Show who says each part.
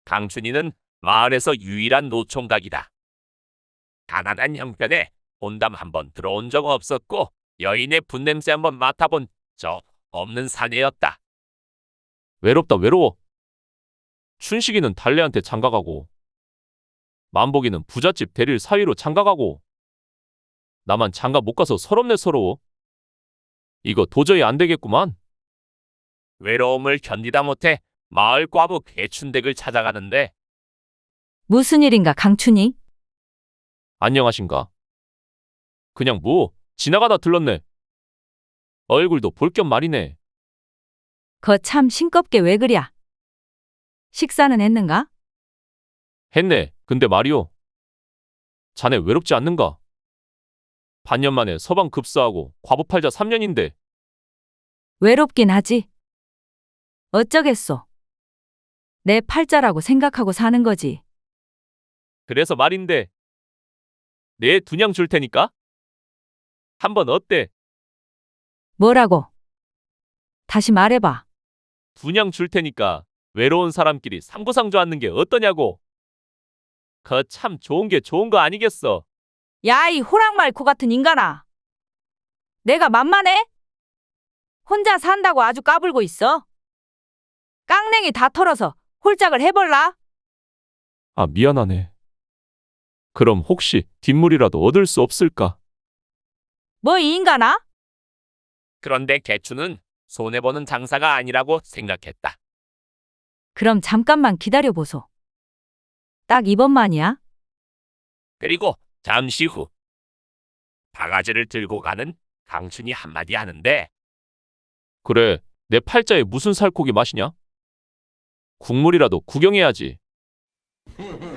Speaker 1: 강춘이는 마을에서 유일한 노총각이다. 가난한 형편에 혼담 한번 들어온 적 없었고 여인의 분냄새 한번 맡아본 적 없는 사내였다.
Speaker 2: 외롭다 외로워. 춘식이는 달래한테 장가가고 만복이는 부잣집 대릴 사위로 장가가고 나만 장가 못 가서 서럽네 서러워. 이거 도저히 안 되겠구만.
Speaker 1: 외로움을 견디다 못해 마을 과부 개춘댁을 찾아가는데
Speaker 3: 무슨 일인가, 강춘이?
Speaker 2: 안녕하신가. 그냥 뭐 지나가다 들렀네. 얼굴도 볼 겸 말이네.
Speaker 3: 거 참 싱겁게 왜 그랴? 식사는 했는가?
Speaker 2: 했네. 근데 말이오. 자네 외롭지 않는가? 반년 만에 서방 급사하고 과부 팔자 3년인데
Speaker 3: 외롭긴 하지. 어쩌겠소. 내 팔자라고 생각하고 사는 거지.
Speaker 2: 그래서 말인데 내 두냥 줄 테니까 한번 어때?
Speaker 3: 뭐라고? 다시 말해봐.
Speaker 2: 두냥 줄 테니까 외로운 사람끼리 상부상조 하는 게 어떠냐고. 그 참 좋은 게 좋은 거 아니겠어.
Speaker 3: 야, 이 호랑말코 같은 인간아. 내가 만만해? 혼자 산다고 아주 까불고 있어. 깡냉이 다 털어서 홀짝을 해볼라?
Speaker 2: 아 미안하네. 그럼 혹시 뒷물이라도 얻을 수 없을까?
Speaker 3: 뭐 이 인간아?
Speaker 1: 그런데 개춘은 손해보는 장사가 아니라고 생각했다.
Speaker 3: 그럼 잠깐만 기다려보소. 딱 이번만이야?
Speaker 1: 그리고 잠시 후 바가지를 들고 가는 강춘이 한마디 하는데
Speaker 2: 그래, 내 팔자에 무슨 살코기 맛이냐? 국물이라도 구경해야지.